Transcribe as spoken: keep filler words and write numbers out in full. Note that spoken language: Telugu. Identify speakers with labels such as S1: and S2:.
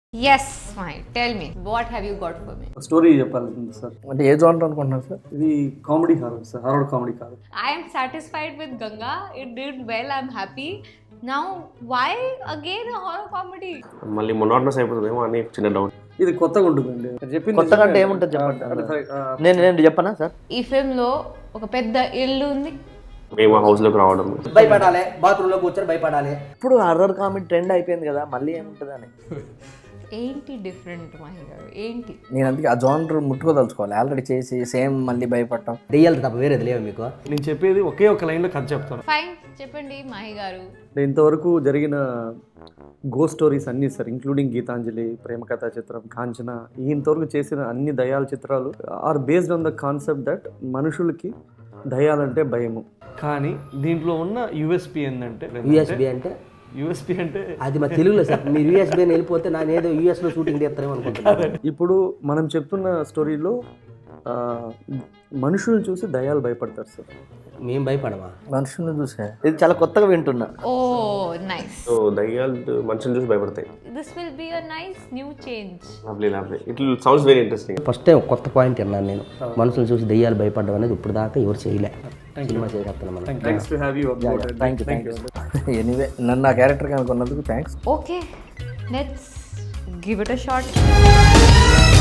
S1: Yes, fine. Tell me, what have you got for me?
S2: Story చెప్పాలి సార్.
S3: అంటే ఏ జోనర్ అనుకుంటున్నారు సార్?
S2: ఇది comedy horror sir, horror comedy కాదు.
S1: I am satisfied with Ganga. It did well. I'm happy. Now, why again a horror comedy?
S4: మళ్ళీ మొనాటనస్ అయిపోతుందేమో అని చిన్న డౌట్.
S2: ఇది కొత్తగా ఉంటుందండి. చెప్పింది
S3: కొత్తగా అంటే ఏముంటుంది చెప్పండి.
S2: అంటే సరే, ఆ,
S3: నేను నేను చెప్పనా సార్?
S1: ఈ ఫిల్మ్ లో ఒక పెద్ద ఇల్లు ఉంది.
S4: మేము ఆ హౌస్ లోకి రావడం
S5: భయపడాలి, బాత్రూంలో కూర్చొని భయపడాలి.
S3: ఇప్పుడు హర్రర్ కామెడీ ట్రెండ్ అయిపోయింది కదా, మళ్ళీ ఏముంటుంది అని.
S1: ఏంటి డిఫరెంట్ మహి గారు, ఏంటి?
S3: నేను అందుకే ఆ జోనర్ ముట్టుకోదలుచుకోవాలి. ఆల్రెడీ చేసి సేమ్ మళ్ళీ భయపడటం.
S5: దెయ్యాలు తప్ప వేరేది లేవు మీకు.
S2: నేను చెప్పేది ఒకే ఒక లైన్లో కథ చెప్తాను.
S1: ఫైన్, చెప్పండి మహి గారు.
S2: అంటే ఇంతవరకు జరిగిన గో స్టోరీస్ అన్నీ సార్, ఇంక్లూడింగ్ గీతాంజలి, ప్రేమ కథా చిత్రం, కాంచన, ఈ ఇంతవరకు చేసిన అన్ని దయాల చిత్రాలు are based on the concept that మనుషులకి దయాలంటే భయము.
S6: కానీ దీంట్లో ఉన్న యూఎస్పీ ఏంటంటే
S5: యూఎస్బి అంటే
S6: యూఎస్పీ అంటే
S5: అది మా తెలుగులో సార్. మీరు యూఎస్బి అని వెళ్ళిపోతే నేను ఏదో యూఎస్లో షూటింగ్ చేస్తారేమో అనుకుంటున్నాను.
S2: ఇప్పుడు మనం చెప్తున్న స్టోరీలో ఆ, మనుషులను చూసి దయాలు భయపడతారు సార్.
S5: మేము భయపడమా?
S3: మనుషులను చూసే ఇది చాలా కొత్తగా వింటున్నా.
S1: ఓ నైస్.
S4: సో దయ్యాలు మనుషులు చూసి భయపడతాయి.
S1: This will be a nice new change.
S4: Lovely lovely. It sounds very interesting.
S5: First time కొత్త పాయింట్ విన్నాను నేను. మనుషులు చూసి దెయ్యాలు భయపడడం అనేది ఇప్పుడు దాకా ఎవరు చేయలే. సినిమా చేయగలుగుతున్నాం మనం.
S2: Thanks to have you.
S3: Thank you thank you anyway నన్ను ఆ క్యారెక్టర్ కనుకున్నందుకు thanks.
S1: Okay, let's give it a shot.